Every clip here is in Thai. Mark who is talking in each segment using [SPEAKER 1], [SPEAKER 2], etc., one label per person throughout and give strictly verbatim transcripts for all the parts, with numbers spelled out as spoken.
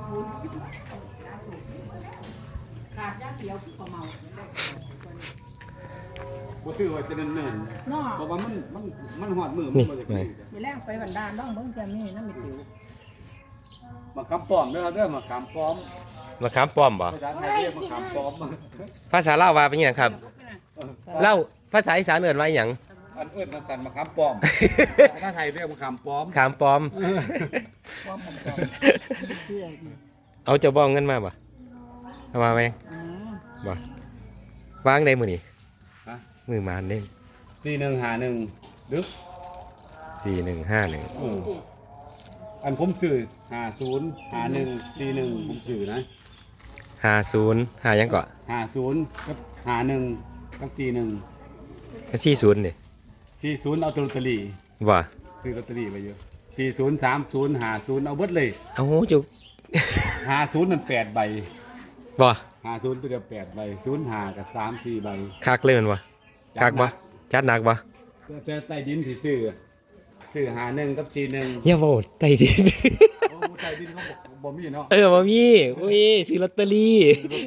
[SPEAKER 1] ขาดย่างเดียวคือเมา
[SPEAKER 2] บ่ซื้อไว้จะเนิ่นๆเนาะเพราะว่ามันมันมันฮอดมือมันบ่จะกิน
[SPEAKER 1] มีแรงไปบันดาลน้องเบิ่งแกมีน้ำมีติ๋ว
[SPEAKER 2] มะขามป้อมเด้อเด้อมะขามป้อม
[SPEAKER 3] มะขามป้อมบ่
[SPEAKER 2] ภาษาไทยเรียกมะขามป้อม
[SPEAKER 3] ภาษาลาวว่าเป็นหยังครับเล่าภาษาอีสานเอิ้นว่าหยัง
[SPEAKER 2] อันเอิ้นกันมะขามป้อมภาษาไทยเรียกมะขามป้อม
[SPEAKER 3] ขามป้อมเอาเจ้าบ้องเงินมาบ่เอามาไหมบ่วางได้มื้อนี้มือมานเด้
[SPEAKER 2] สี่หนึ่งห้าหนึ่งดึก
[SPEAKER 3] สี่หนึ่งห้าหนึ่ง
[SPEAKER 2] อันผมซื้อห้าศูนย์ห้าหนึ่งสี่หนึ่งผมซื้อนะ
[SPEAKER 3] ห้าศูนย์ห้ายังก่อน
[SPEAKER 2] ห้าศูนย์กับห้าหนึ่งกับสี่หนึ่ง
[SPEAKER 3] ก็สี่ศูนย์นี่
[SPEAKER 2] สี่ศูนย์เอาลอตเตอรี่
[SPEAKER 3] ว่า
[SPEAKER 2] ซื้อลอตเตอรี่ไปเยอะสี่ศูนย์สามศูนย์ห้าศูนย์เอาเบิดเลย
[SPEAKER 3] เอาโหจุก
[SPEAKER 2] ห้าศูนย์มันแปดใบ
[SPEAKER 3] บ่
[SPEAKER 2] ห้าศูนย์ตัวเดียวแปดใบศูนย์ห้ากับสามสี่ใบ
[SPEAKER 3] คักเลยมันบ่คักบ่จัดหนักบ่
[SPEAKER 2] แต่ใต้ดินที่ซื้อซื้อหาหนึ่งกับสี่หนึ่ง
[SPEAKER 3] อย่าบอกใต้ดิน
[SPEAKER 2] โอ้ใต้ดินเขาบ่มีเนาะ
[SPEAKER 3] เออบ่มีโอ้ยซื้อลอตเตอรี่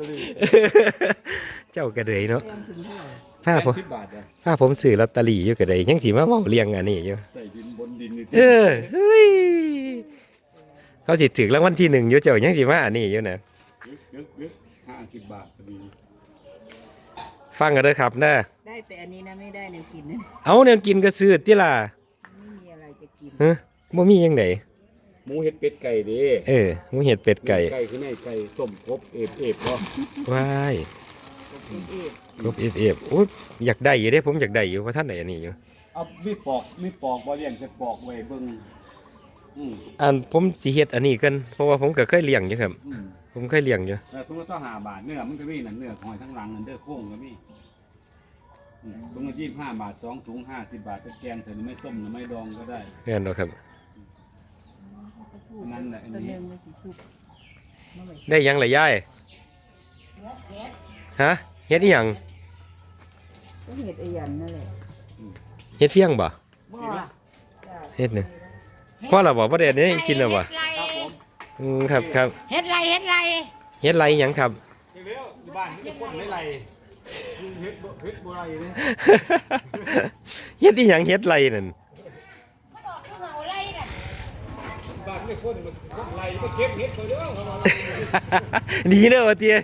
[SPEAKER 3] เจ้ากระเดยเนาะถ้าผมถ้าผมซื้อลอตเตอรี่อยู่กระเดยยังสิมาเว้าเรียงอันนี้อยู่
[SPEAKER 2] ใต้ดินบนดินนี่
[SPEAKER 3] เออเฮ้ยเขาสิถึงรางวัลที่หนึ่งอยู่เจ้ายังสิมาอันนี้อยู่นะ
[SPEAKER 2] ห้าสิบบาทพอดี
[SPEAKER 3] ฟังกันเด้อครับนะ
[SPEAKER 1] ได้แต่อันนี้นะไม่ได้แนวกินนะ
[SPEAKER 3] เอาแนวกินก็ซื้อติล่ะ
[SPEAKER 1] ไม่มีอะไรจะกิน
[SPEAKER 3] ฮะบ่มียังไง
[SPEAKER 2] หมูเห็ดเป็ดไก่ดิ
[SPEAKER 3] เออหมูเห็ดเป็ดไก่
[SPEAKER 2] ไก่คือไงไก่ต้มกบเอฟเอฟบ่
[SPEAKER 3] ว้ายกบเอฟเอฟโอ้ยอยากได้อยู่เด้ผมอยากได้อยู่เพราะท่านไหนอันนี้อยู่
[SPEAKER 2] เอามีปอกมีปอกบ่เลี้ยงจะปอกไว้เบิ่ง
[SPEAKER 3] อืมอันผมสิเฮ็ดอันนี้กันเพราะว่าผมก็เคยเลี้ยงอยู่ครับผมเคยเลี้ยงอยู่
[SPEAKER 2] แต่ถุงละยี่สิบห้าบาทเนื้อมันก็มีนั่นเนื้อหอยทั้งหลังนั่นเด้อโค้งก็มีถุงละยี่สิบห้าบาทสองถุงห้าสิบบาทจะแกงใส่ไม่ต้มหรือไม่ดองก็ได้
[SPEAKER 3] แม่นบ่ครับ
[SPEAKER 2] นั่นแหละอันนี้
[SPEAKER 3] ได้ยังล่ะยายฮะเฮ็ดอีหยัง
[SPEAKER 1] ก็เฮ็ดอีหยังนั่นแหละ
[SPEAKER 3] เฮ็ดเฟียงบ่
[SPEAKER 1] บ่
[SPEAKER 3] เฮ็ดนี่พอแล้วบ่บ่ได้อันนี้กินแล้วบ่อืมครับครับ
[SPEAKER 1] เฮ็ดไรเฮ็ดไร
[SPEAKER 3] เฮ็ดไรหยังครับ
[SPEAKER 2] บ้านนี่คนไม่ไรเฮ็ดเฮ็ดบ่ไรนี่
[SPEAKER 3] เฮ็ดอีหยังเฮ็ดไรนั่น
[SPEAKER 2] บ้านนี่คนคนไรก็เก็บเฮ็ดไปเด้อ
[SPEAKER 3] ดีเด้อว่าเตี้ย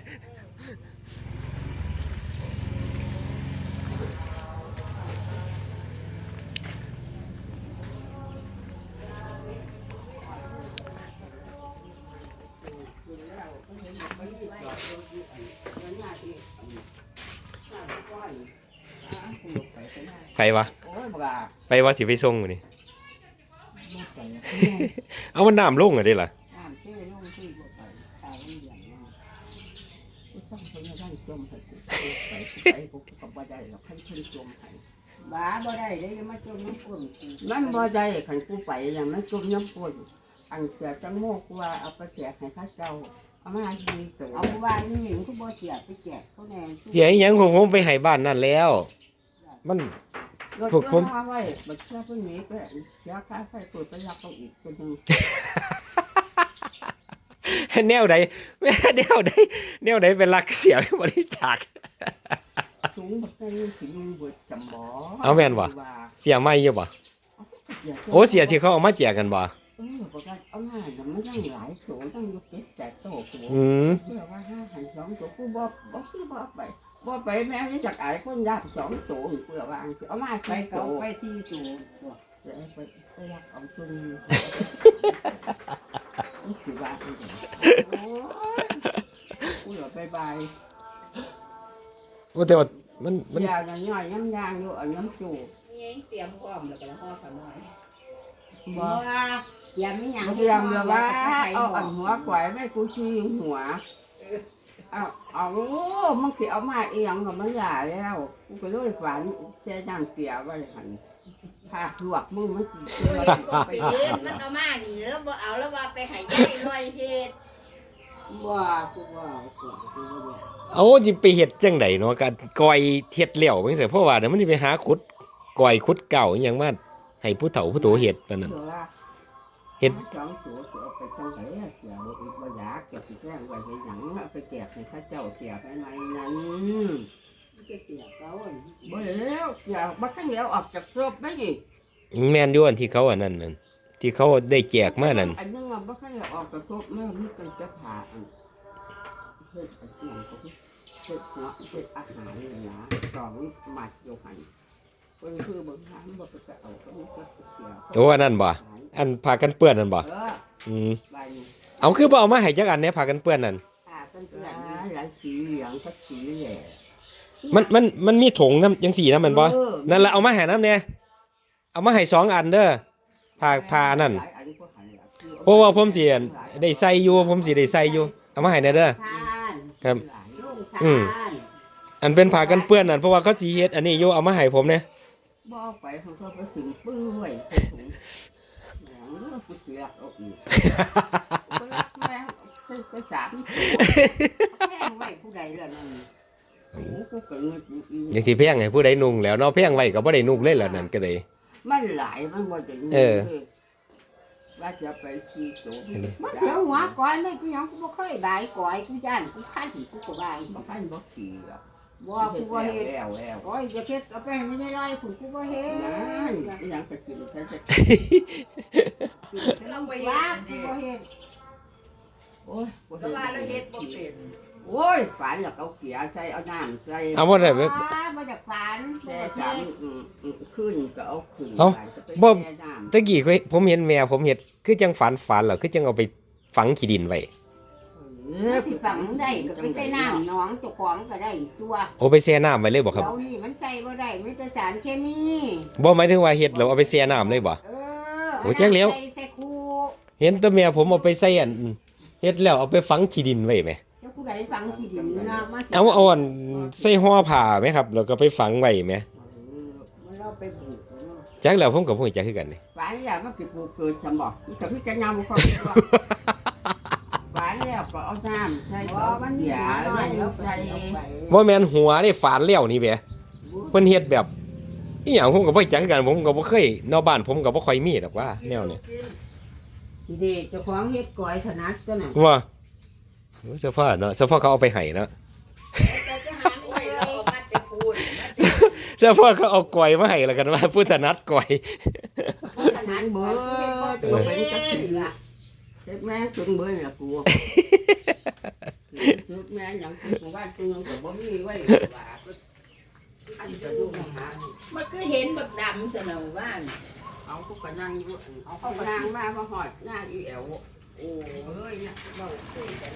[SPEAKER 3] ไปวะไปวะสิไปส่งมื้อนี้เอามันน้ำลงอ่ะได้ล่ะ
[SPEAKER 1] บ้าบ่ได้ได้ยังมาจมน้ำฝน
[SPEAKER 4] มันบ่ได้ขันกูไปอย่างมันจมน้ำฝนอันเสียจังโมกว่าเอาไปแจกให้ข้าเจ้าเอามาดีตัว
[SPEAKER 1] เอาบ้านนี่หญิงกูบ่เสียไปแจกเขาแน่
[SPEAKER 3] เสียอีหยังผมผมไปให้บ้านนั่นแล้วมัน
[SPEAKER 4] พวกผมเอาไว้บัดเช้าพรุ่งนี้ก็เสียค่าไฟเปิดไปรับเขาอีกคนนึง
[SPEAKER 3] แนวใดแนวใดแนวใดเป็นรักเสียบริจาค
[SPEAKER 4] สูงบักได้สิลุงบ่จำบ่
[SPEAKER 3] เอาแม่นบ่เสียไม่อยู่บ่โอ้เสียที่เขาเอามาแจกกันบ่
[SPEAKER 4] เออบ่ได้เอามาน่ะมันยังหลายโถตั้งอยู่เก็บแจกโตโถ
[SPEAKER 3] อืม
[SPEAKER 4] เพื่อว่าห้าหันสองโถกูบ่บ่คือบ่ไปบ่ไปแม่นี่จักอายคนยากสองโถเพื่อว่าเอามาใส่โถ
[SPEAKER 1] ไปสี่โถ
[SPEAKER 4] ไปไปไปรักเอาจนนี่สิว่าโอ้ยกูเหลือบายบาย
[SPEAKER 3] โอ้แต่ว่ามันมัน
[SPEAKER 4] ยาวย่อยๆย่างๆอยู่อันน้ำจู
[SPEAKER 1] นี่เตรียมพร้อมแล้วก็ห่อขนม
[SPEAKER 4] บ่
[SPEAKER 1] เตรียมอีหยัง
[SPEAKER 4] เตรียมแล้วว่าเอาอันหัวกวายแม่กูชี้หัวเอาเอามันสิเอามาอีหยังก็มันหลายแล้วกูก็เลยฝันเสียย่างเตี๋ยไว้หั่นถ้าลวกมึงมันสิ
[SPEAKER 1] ไปเฮ็ดมันเอามานี่แล้วบ่เอาแล้วว่าไปให้ยายหน่อยเฮ็ด
[SPEAKER 4] บ่กูบ่กูกูบ่
[SPEAKER 3] เอาสิไปเฮ็ดจังได๋เนาะการก้อยเฮ็ดแล้วจังซี่เพราะว่าเดี๋ยวมันสิไปหาขุดก้อยขุดเก่าอีหยังมาให้ผู้เฒ่าผู้โตเฮ็ดปานนั้นเฮ็ด
[SPEAKER 4] สองตัวเสือไปจังไหนเสียบ่อีกบ่อยากจะสิแกล้งไว้ให้หยังเอาไปแจกให้ข้าเจ้าเสียไปไหนนั้น
[SPEAKER 1] จะเสียเขาอ่ะ
[SPEAKER 4] บ่แล้วอย่าบ่ทันแล้วออกจากศพได้นี่
[SPEAKER 3] แม่นอยู่อันที่เขาอันนั้นนั่นที่เขาได้แจกมานั่น
[SPEAKER 4] อันนึงว่าบ่ทันแล้วออกจากศพแม่มีแต่จะผ่าอันเฮ็ดอันนั้นก็เฮ็ดเนาะเฮ็ดอาหารนี่นะสองหมัดอยู่หั่นเพิ่นคือเบิ่งหามบ่ไปจะเอาก็มีก็เสีย
[SPEAKER 3] โอ้อันนั้นบ่อันพากันเปื้อนนั่นบ่
[SPEAKER 4] เออ
[SPEAKER 3] อืม
[SPEAKER 4] ใบนี้
[SPEAKER 3] เอาคือบ่เอามาให้จักอันเนี่ยพากันเปื้อนนั่น
[SPEAKER 1] ผ่ากัน
[SPEAKER 4] ห
[SPEAKER 1] เพื่อน
[SPEAKER 4] ลายหลายสีเหลืองก็สีแหล่
[SPEAKER 3] มันมันมันมีถุงน้ำจังสี่น้ำมันบ่นั่นละเอามาให้น้ำเนี่ยเอามาให้สองอันเด้อพาพานั่นเพราะว่าผมสิได้ใส่อยู่ผมสิได้ใส่อยู่เอามาให้แน่เด้อ
[SPEAKER 1] ทาน
[SPEAKER 3] ครับ
[SPEAKER 1] ลุง
[SPEAKER 3] อื
[SPEAKER 1] ทาม น
[SPEAKER 3] อันเป็นผ้ากันเปื้อนนั่นเพราะว่าเขาสิเฮ็ดอันนี้อยู่เอามาให้ผมเนี่ย
[SPEAKER 4] บ่เอาไปเขาก็ไปถึงปึ้งไว้ใส่ถุงแหมกูเสียเอาอีกก็รักแม่ไปไปสามตัว
[SPEAKER 1] แพงไว้ผู้ใดล่ะนั่น
[SPEAKER 4] โอ้กูก็เงินอีก
[SPEAKER 3] จังสิแพงให้ผู้ใดนุ่งแล้วเนาะแพงไว้ก็บ่ได้นุ่งเลยล่ะนั่นก็ได้
[SPEAKER 4] มันหลายมันบ่ได้เงิน
[SPEAKER 3] เออ
[SPEAKER 4] ว่าจะไปขี่ตัว
[SPEAKER 3] อันนี้
[SPEAKER 1] มันเสียวหัวก้อยไม่กูยังกูบ่เคยบายก้อยกูย่านกูคันกูก็บาย
[SPEAKER 4] บ่คันบ่ขี่หรอก
[SPEAKER 1] บ่กูบ่เฮ็ด
[SPEAKER 4] แล้วแล้ว
[SPEAKER 1] ก้อยจะเฮ็ดเอาไปให้ไม่ได้ร้อยกูกูบ่เฮ็ด
[SPEAKER 4] นั่นอีหยังไปกินใช้จะ
[SPEAKER 1] เราบ่ว่ากูบ่เฮ็ด
[SPEAKER 4] โอ้ยบ่
[SPEAKER 1] เพราะว่าเราเฮ็ดบ่เป็น
[SPEAKER 4] โอ้ยฝันอยากเอาเกียร์ใส่เอาน้ำใส่
[SPEAKER 3] เอาบ่ได้เว้ย
[SPEAKER 1] ว้าบ่อยากฝัน
[SPEAKER 4] แช่
[SPEAKER 1] บ่
[SPEAKER 4] สาม
[SPEAKER 1] เฮ็ด
[SPEAKER 4] อืมอืมขึ้นก็เอาขึ้น
[SPEAKER 3] เอ้า
[SPEAKER 4] ไปก็ไป
[SPEAKER 3] บ่
[SPEAKER 4] แช่น้ำ
[SPEAKER 3] ตะกี้เคยผมเห็นแม่ผมเฮ็ดคือจังฝันฝันเหรอคือจังเอาไปฝังขี้ดินไว้
[SPEAKER 4] เอ
[SPEAKER 1] เอ
[SPEAKER 4] อ
[SPEAKER 1] อสิฝังได้ก็ไปใส่น้ำหนองเจ้าของก็ได้ตัว
[SPEAKER 3] โอ้ไปแช่น้ำไว้เลยบ่ครับ
[SPEAKER 1] เดี๋ยวนี้มันใส่บ่ได้มีแต่สารเคมี
[SPEAKER 3] บ่หมายถึงว่าเฮ็ดแล้วเอาไปแช่น้ำเลยบ่
[SPEAKER 1] เออ
[SPEAKER 3] โอ้แจ้งแล้ว
[SPEAKER 1] ใส่ใส่คู
[SPEAKER 3] เห็นแต่แม่ผมเอาไปใส่อันเฮ็ดแล้วเอาไปฝังขี้ดินไว้แหม
[SPEAKER 1] เจ้าผู้ใดฝังที่ดินนะมาสิ
[SPEAKER 3] เอาเอาอันใส่ห่อผ้าไหมครับ แล้วก็ไปฝังไว้ไหม
[SPEAKER 1] มันเราไปปลูกเนาะ
[SPEAKER 3] จักแล้วผมกับผมจักคือกันนี่
[SPEAKER 4] ฝันอยากมาปิดปูเกิดจำบอกแต่พี่จะยำความว่าฝันแล้วก็เอาน้ำใส่
[SPEAKER 1] เพราะ
[SPEAKER 4] เอา
[SPEAKER 1] มันมี
[SPEAKER 4] เกีย
[SPEAKER 1] หา
[SPEAKER 4] ร์
[SPEAKER 1] น้อย
[SPEAKER 4] แล้
[SPEAKER 1] แล้ว ว
[SPEAKER 4] ใส่
[SPEAKER 1] ใส่ไป
[SPEAKER 3] บ่แม่นหัวนี่ฝานแล้วนี่แหมเพิ่นเฮ็ดแบบอีหยังผมก็บ่จักคือกันผมก็บ่เคยนอกบ้านผมก็บ่ค่อยมีดอกว่าแนวนี้
[SPEAKER 1] ดีเจ้าของเฮ็ดก้อยถนัดตัวน่ะ
[SPEAKER 3] ว่าโอ้เสื้อผ้าเนาะเสื้อผ้าเขาเอาไปให้เนาะ
[SPEAKER 1] แต่จะหาหน่วยเราเอามาจะพูด
[SPEAKER 3] เสื้อผ้าเขาเอากล้วยมาให้แล้วกันว่าผู้ถนัดกล้วย
[SPEAKER 1] ถนัด
[SPEAKER 4] เบิ
[SPEAKER 1] เบิ
[SPEAKER 4] ด
[SPEAKER 1] ด
[SPEAKER 4] บ่
[SPEAKER 1] บ่
[SPEAKER 4] เป็
[SPEAKER 1] เป็น น
[SPEAKER 4] จั
[SPEAKER 1] จั
[SPEAKER 4] ก
[SPEAKER 1] ก
[SPEAKER 4] สิ
[SPEAKER 1] สิ
[SPEAKER 4] ละ
[SPEAKER 1] ล่ะ
[SPEAKER 4] เจ็บแม่จนเบิดละกูเจ็บแม่หยังกูว่าตัวนึงก็บ่มีไว้ว่าอันจะดูหา
[SPEAKER 1] มันคือเห็นบักดำซะแล้วว่า
[SPEAKER 4] เอากูก็นั่งอยู่เอาเขาก็นั่งมามาหอดหน้าอีแอวโอ้เอ้ยเนี่ยเราคุยกัน